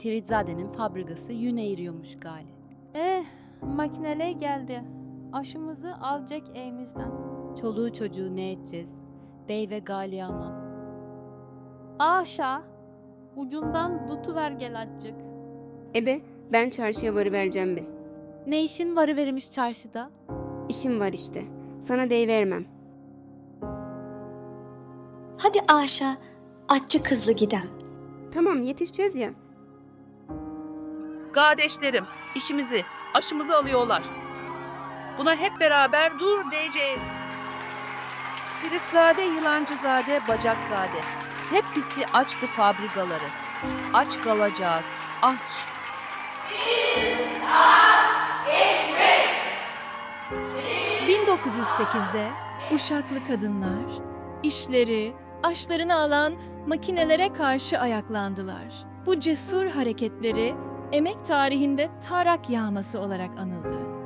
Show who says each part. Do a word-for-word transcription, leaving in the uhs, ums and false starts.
Speaker 1: Tiritzade'nin fabrikası yün eğiriyormuş gali.
Speaker 2: Eh, makineler geldi. Aşımızı alacak elimizden.
Speaker 1: Çoluğu çocuğu ne edeceğiz? Dey ve gali anam.
Speaker 2: Aşağı, ucundan tutuver gel azıcık.
Speaker 3: Ebe, ben çarşıya varıvereceğim be.
Speaker 1: Ne işin varı verilmiş çarşıda?
Speaker 3: İşim var işte. Sana deyivermem.
Speaker 4: Hadi Aşa, aççı kızlı gidem.
Speaker 3: Tamam, yetişeceğiz ya.
Speaker 5: Kardeşlerim, işimizi, aşımızı alıyorlar. Buna hep beraber dur diyeceğiz. Firitzade, Yılancızade, Bacakzade. Hepsi açtı fabrikaları. Aç kalacağız, aç.
Speaker 6: bin dokuz yüz sekizde Uşaklı kadınlar işleri, aşlarını alan makinelere karşı ayaklandılar. Bu cesur hareketleri emek tarihinde tarak yağması olarak anıldı.